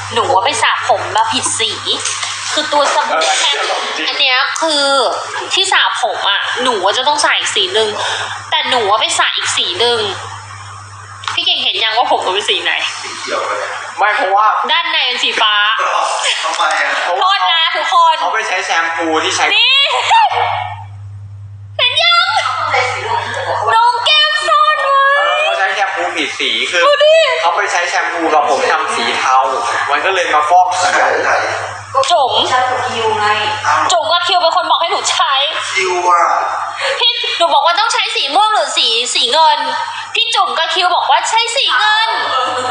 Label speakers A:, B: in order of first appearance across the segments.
A: หนูว่าไปสระผมมาผิดสี คือตัวสบู่แค่อันเนี้ยคือที่สระผมอ่ะหนูว่าจะต้องใส่อีกสีหนึ่งแต่หนูว่าไปสระอีกสีหนึ่งพี่เก่งเห็นยังว่าผมหนูเป็นสีไหน
B: สีเขียวเลย
C: ไม่เพราะว่า
A: ด้านในเป็นสีฟ้า
B: ทำไมอ่ะ
A: โทษนะทุกคน
C: เขาไปใช้แชมพูที่ใช้
A: นี่เห็นยัง
D: ใส่สีเหลืองจะบอกว่า
A: น้องแก้มซ่อนไว้
C: เขาใช้แชมพูผิดสีคือ
A: ดูดิ
C: เขาไปใช้แชมพูกับผมทำสีเทา มันก็เลยมาฟอกเขียว
B: ไหน
A: จุ๋ม
D: ฉันกับคิวไง
B: อ้าว
A: จุ๋มกับคิวเป็นคนบอกให้หนูใช้
B: คิวอ่ะ
A: พี่หนูบอกว่าต้องใช้สีม่วงหรือสีเงิน พี่จุ๋มกับคิวบอกว่าใช้สีเงิน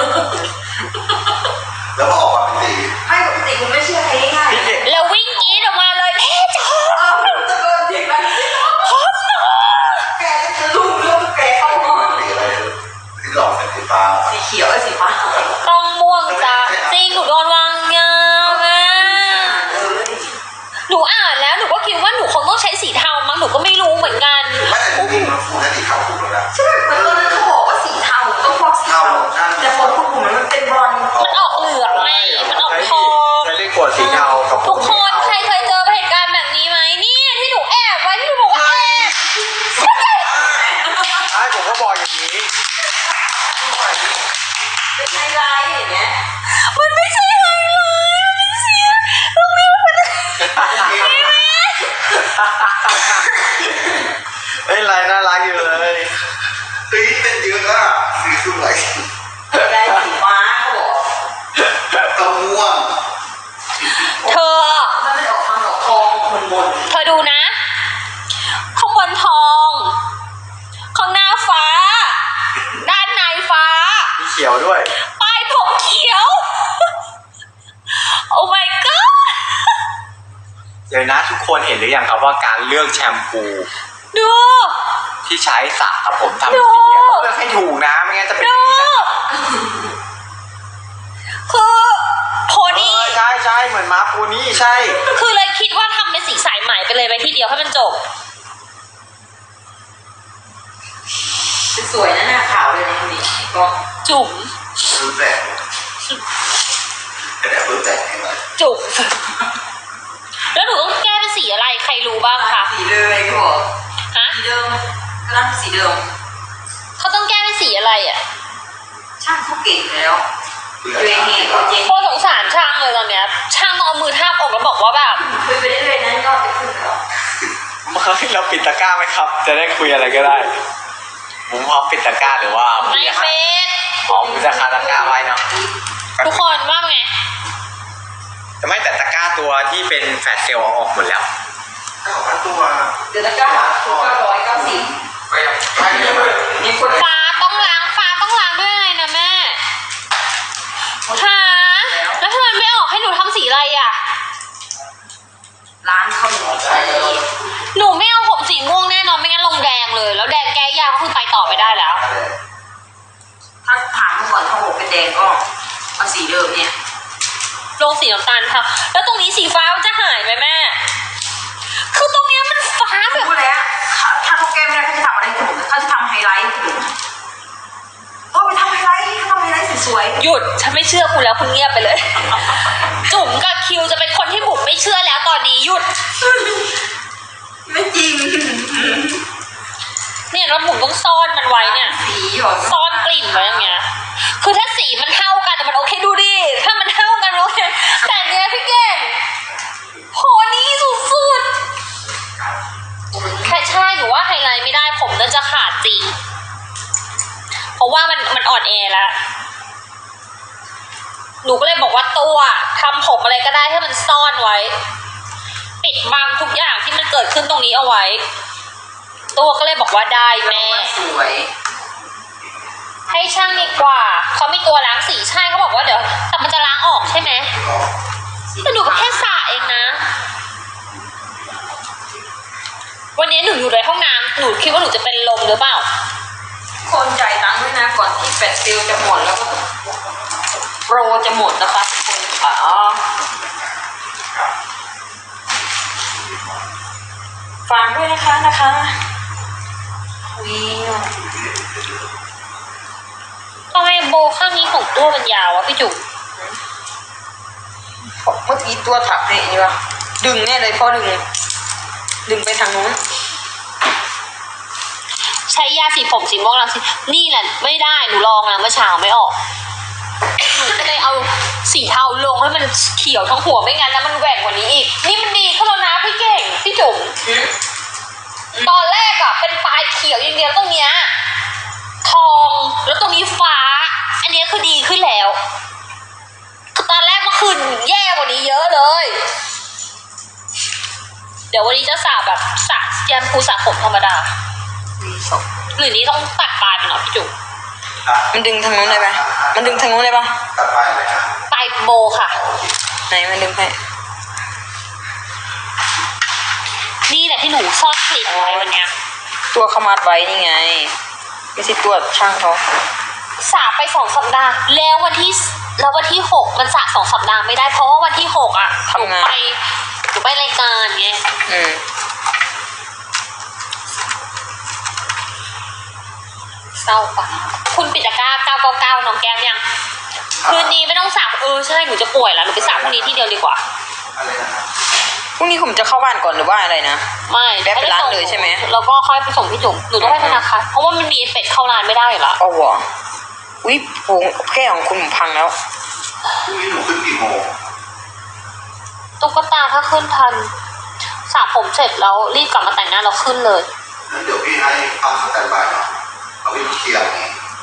B: แล้วพอออกมาเป็นสี
D: ไม่ปกติคุณไม่เชื่อใครง่าย
C: พี่เก่ง
A: แล้ววิ่งกรีดออกมาเลยจอ
D: เออตะโกนเสียงดังแกจะลุกเรื่องแกเข้ามา
B: สีอะไรที่หลอกเป็นสีฟ้า
D: สีเขียวไอ้สีฟ้า
A: ต้องม่วงจ้าจริงหนูโดนวางยาแม่หนูอ่านแล้วหนูก็คิดว่าหนูคงต้องใช้สีเทามั้งหนูก็ไม่รู้เหมือนกัน
B: ไม่แต่จริงๆมันฟูและสีขาวถูกแล้วนะ
D: ใช่เหมือนตอนนั้นเขาบอกว่าสีเทาต้องฟอกสีเทาแต่คนพวกผมมันเป็นบอล
A: มันออกเหลืองไงมันออกทอง
C: ใช้เลขขวดสีเทากับผ
A: ทุ
C: ม
A: กคนใครเคยเจอเหตุการณ์แบบนี้ไหมนี่ที่หนูแอบไว้ที่หนูบอกว่าแอบ
C: ใช่ผมก็บอกอย่างนี้
D: เป็นไฮไลท์อย่างเงี้ย
A: มันไม่ใช่ไฮไลท์มันเป็นเสียตรงนี้มันเป็น
C: ไม่เป็นไรน่ารักอยู่เลย
B: ตีเป็นเยอะอ่ะสีสวย
D: ได้สีฟ้าเขาบอก
B: ตะม่วง
A: เธอ
D: มันไม่ได้ออกทางดอกทองมน
A: เธอดูนะข้างบนทอง ข้างหน้าฟ้า ด้านในฟ้า
C: มีเขียวด้วย
A: ปลายผมเขียว โอ้ my god
C: เดี๋ยวนะทุกคนเห็นหรือยังครับว่าการเลือกแชมพู
A: ดู
C: ที่ใช้สระกับผมทำ
A: ดู
C: สีอะต้องเลือกให้ถูกนะไม่งั้นจะเป็นอ
A: ดู
C: ย่างนี้นะ
A: คือโพนี่
C: ใช่ใช่เหมือนมาร์คโพนี่ใช่
A: คือเลยคิดว่าทำเป็นสีสายไหมไปเลยไปทีเดียวให้มันจบ
D: ๆสวยนะหน้าขาวเลยนะคนนี้ก็
A: จุ๋ม
B: รู้แต่แต่รู้แต่ให้หน่อย
A: จุ๋มแล้วหนูต้องแก้เป็นสีอะไรใครรู้บ้างคะ
D: สีเดิมเลยเขาบอก
A: ฮะ
D: สีเดิมก็รับสีเดิม
A: เขาต้องแก้เป็นสีอะไรอ่ะ
D: ช่างเขาเก่งแล้ว
B: เพื่อ
D: ตัวเองเองตัวเอง
A: โคตรสงสารช่างเลยตอนเนี้ยช่างต้องเอามือทาบอกแล้วบอกว่าแบบ
D: คุยไปเรื่อยๆนั้นก็จะขึ้นแล้ว
C: เราปิดตะกร้าไหมครับ จะได้คุยอะไรก็ได้ ผมพร้อมปิดตะกร้าหรือว่า
A: ไม่เป็น
C: อ๋อผมจะคาตะกร้าไว้เนาะ
A: ทุกคนว่าไง
C: แต่ไม่แต่ตะกร้าตัวที่เป็นแฟลชเซลล์เอาออกหมดแล้ว
B: 9,000ตัว
D: เดี๋ยวตะกร้า990
B: ไปไปเลย
D: มีคน
A: ฟ้าต้องล้างด้วยอะไรนะแม่หาแล้วทำไมไม่ออกให้หนูทำสีอะไรอ่ะ
D: ร้านเขาหมดใจ
A: หนูไม่เอาผมสีม่วงแน่นอนไม่งั้นลงแดงเลย แล้วแดงแก้ยากก็คือไปต่อไม่ได้แล้ว
D: ถ้าผ่านเมื่อก่อนเขาบอกเป็นแดงก็เอาสีเดิมเนี่ย
A: ลงสีน้ำตาลค่ะ แล้วตรงนี้สีฟ้ามันจะหายไหมแม่ คือตรงเนี้ยมันฟ้าแบบ
D: รู้แล้วถ้าเขาแก้ไม่ได้เขาจะทำอะไรให้ผมเขาจะทำไฮไลท์ให้ผมก็ไปทำไฮไลท์เขาทำไฮไลท์สวย
A: หยุดฉันไม่เชื่อคุณแล้วคุณเงียบไปเลย จุ๋มกับคิวจะเป็นคนที่บุ๋มไม่เชื่อแล้วตอนนี้หยุด
D: ๆไม่จริง
A: เนี่ยแล้วบุ๋มต้องซ่อนมันไว้เนี่ย
D: สีหรอ
A: ซ่อนกลิ่นไว้อย่างเงี้ย คือถ้าสีมันเท่ากันมันโอเคดูดิ ถ้ามันเท่ากันโอเคแต่เนี้ยพี่เก่งโหนี่สุดๆแค่ใช่หนูว่าไฮไลท์ไม่ได้ผมน่าจะขาดจริง เพราะว่ามันอ่อนแอแล้ว หนูก็เลยบอกว่าตัวทำผมอะไรก็ได้ให้มันซ่อนไว้ ปิดบังทุกอย่างที่มันเกิดขึ้นตรงนี้เอาไว้ ตัวก็เลยบอกว่าได้แม่
D: สวย
A: ให้ช่างดีกว่า เขามีตัวล้างสีใช่เขาบอกว่าเดี๋ยวแต่มันจะล้างออกใช่ไหมแต่หนูก็แค่สระเองนะ วันนี้หนูอยู่ในห้องน้ำหนูคิดว่าหนูจะเป็นลมหรือเปล่า
D: คนจ่ายตังค์ด้วยนะก่อนที่แฟลชเซลล์จะหมดแล้วก็โปรจะหมดนะคะทุกคนค่ะฝากด้วยนะคะวิว
A: ทำไมโบข้างนี้ของตัวมันยาววะพี่จุ๋ม
D: เมื่อกี้ตัวถักนี่วะดึงแน่เลยพ่อดึงไปทางนู้น
A: ใช้ยาสีผมสีม่วงรังสีนี่แหละไม่ได้หนูลองแล้วเมื่อเช้าไม่ออกหนูก็เลยเอาสีเทาลงให้มันเขียวทั้งหัวไม่งั้นนะมันแหว่งกว่านี้อีกนี่มันดีขึ้นแล้วนะพี่เก่งพี่จุ๋มตอนแรกอะเป็นปลายเขียวอย่างเดียวตรงเนี้ยทองแล้วตรงนี้ฟ้า อันนี้คือดีขึ้นแล้วคือตอนแรกเมื่อคืนแย่กว่านี้เยอะเลย เดี๋ยววันนี้จะสระแบบสระแยมพูสระผมธรรมดาหรือนี้ต้องตัดปลายมันเหรอพี่จุ๋ม
D: มันดึงทางนู้นได้ไหมมันดึงทางนู้นได้ปะ
B: ตัดไปเลยครับ
A: ปลายโบค่ะ
D: ไหนมันดึงให้
A: นี่แหละที่หนูซ่อนกลิ่นไว้วันเนี้ย
D: ตัวเขามัดไว้นี่ไงไม่ใช่ตัวช่างเขา
A: สระไป2 สัปดาห์แล้ววันที่6มันสระ2 สัปดาห์ไม่ได้เพราะว่าวันที่6อะหนูไปรายการไง เศร้าปะคุณปิดตะกร้า999น้องแก้มยังคืนนี้ไม่ต้องสระใช่หนูจะป่วยแล้วหนูไปสระพรุ่งนี้ที่เดียวดีกว่า
B: อะไรนะครับ
D: พรุ่งนี้ผมจะเข้าบ้านก่อนหรือว่าอะไรนะ
A: ไม่
D: แวะไปร้านเลยใช่ไหม
A: แล้วก็ค่อยไปส่งพี่จุ๋มหนูต้องไปธนาคารเพราะว่ามันมีเอฟเฟกต์เข้าร้านไม่ได้อยู่แล้ว
D: เอาวะอุ้ยโงแก้วของคุณผมพังแล้ว
B: พรุ่งนี้หนูขึ้นกี่โมง
A: ตุ๊กตาถ้าขึ้นทันสระผมเสร็จแล้วรีบกลับมาแต่งหน้าเราขึ้นเลย
B: งั้นเดี๋ยวพี่ให้เอาสแตนบายหน่อยเอาไปเคลียร์อย่างนี้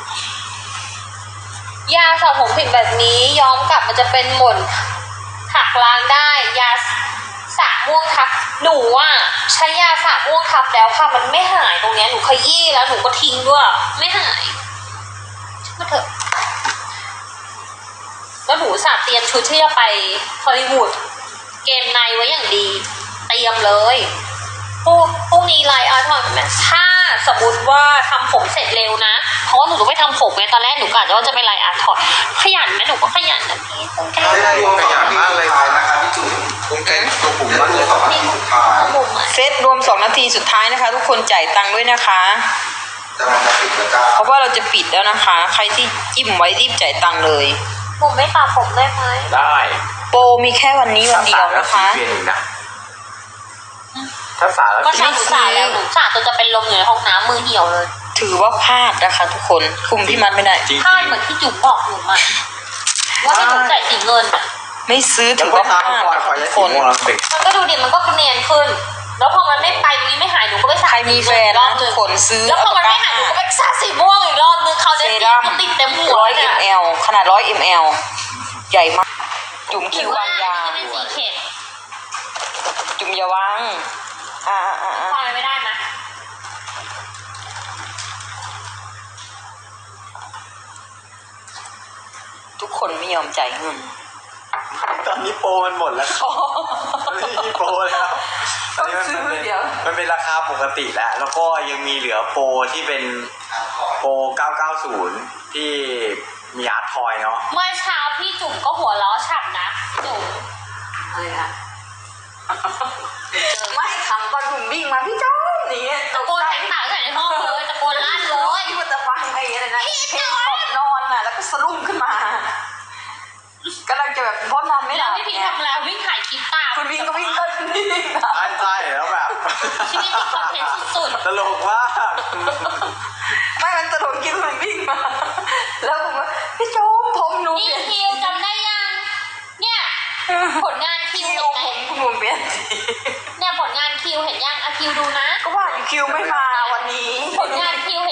A: ยาสระผมผิดแบบนี้ย้อมกลับมันจะเป็นหม่นหักล้างได้ยาสระม่วงทับหนูอ่ะใช้ยาสระม่วงทับแล้วค่ะมันไม่หายตรงเนี้ยหนูขยี้แล้วหนูก็ทิ้งด้วยไม่หายช่างมาเถอะแล้วหนูสระเตรียมชุดที่จะไปฮอลลีวูดเกมในไว้อย่างดีเตรียมเลยพรุ่งนี้ไลน์อาร์ทอนถ้าสมมติว่าทำผมเสร็จเร็วนะเพราะว่าหนูต้องไปทำผมไงตอนแรกหนูกะว่าจะไปไลน์อาร์ทอนขยันไหมหนูก็ขยันนะพี่ต้องแก้
B: ได้รวมขยันมากเลยนะครับพี่จุ๋มผมแกตัวผมมันเลย2 นาทีสุดท้าย
A: ผมอ่ะ
D: เซตรวม2 นาทีสุดท้ายนะคะ ทุกคนจ่ายตังค์ด้วยนะคะ
B: จะมันจะปิดตะกร้า
D: เพราะว่าเราจะปิดแล้วนะคะ ใครที่จิ้มไว้รีบจ่ายตังค์เลย
A: ผมไม่ตัดผมได้ไหม
C: ได้
D: โปรมีแค่วันนี้วันเดียวนะคะ
C: เปลี่ยนอีกนะถ้าสาแล้ว
A: ก็ช่างหนูสาแล้วหนูสาจนจะเป็นลมอยู่ในห้องน้ำมือเหี่ยวเลย
D: ถือว่าพลาดนะคะ ทุกคนคุมพี่มัดไม่ได้
C: จริง
A: พลาดเหมือนที่จุ๋มบอกหนูมาว่าให้หนูจ่ายสีเงินอ่ะ
D: ไม่ซื้อ
C: แล้
D: ถื
C: ว
D: อ
C: ก็
D: ว่าพ
C: ตา
D: ลาม ด
C: คอย
D: นะ
C: คอย
D: คะ
C: จะ
D: ทุก
C: สี
D: คน
C: ม่วงแล้วติด
A: มันก็ดูดิมันก็เนียนขึ้น แล้วพอมันไม่ไปตรงนี้ไม่หายหนูก็ไปสา
D: ใครมีแฟนนะทุกคนซื้อ
A: แล้วพอมันไม่หายหนูก็ไปสาสีม่วงอีกรอบนึงเขา
D: เซ
A: ได้
D: รั่ม
A: ติดเต็มหัว
D: 100
A: เนี่ย
D: ml ขนาด100 ml ใหญ่มาก จุ่มคิววางยา
A: ไม่เป็นสีเข็ด
D: จุ่มอย่าวาง
A: ฟังอะไรไม่ได้นะ
D: ทุกคนไม่ยอมจ่ายเงิน
C: ตอนนี้โปรมันหมดแล้วครับไม่มีโปรแล้วตอนนี้มันเป็นราคาปกติแล้ว แล้วก็ยังมีเหลือโปรที่เป็นโปร 990 ที่มีอาร์ตทอยเนาะ
A: เมื่อเช้าพี่จุ๋มก็หัวล้อฉ่ำนะจุ๋ม
D: อะไรอะไม่ขำตอนผมวิ่งมาพี่จ้อมนี่
A: ตะโกนแตกต่างใส่ในห้องเลยตะโกนลั่นเลย
D: ที่มันจะฟังไอ้อะไรนะเพลงขอบนอนน่ะแล้วก็สะดุ้งขึ้นมากำลังจะแบบพ้นนอนไม่ห
A: แล้
D: ลั
A: ว
D: บ
A: พี่พีทำแล้ววิ่งถ่ายคลิปตาม
D: คุณวิ่งก็วิ่งก็วิ่ง
C: ใช่แล้วแบบ
A: ชีวิตติดคอนเทนต์สุด
C: ตลกมาก
D: ไม่มันตลกคิดว่ามันวิ่งมา แล้วผมว่าพี่โจ๊มผมหนู
A: ๆนี่
D: เปลี่ยน
A: คิวจำได้ยัง เนี่ยผลงานคิว
D: คิว
A: เห็นไหม
D: ผมเปลี่ยน
A: เนี่ยผลงานคิวเห็นยังอะคิวดูนะ
D: ก็ว่าอยู่คิวไม่มาวันนี้
A: ผลงานคิว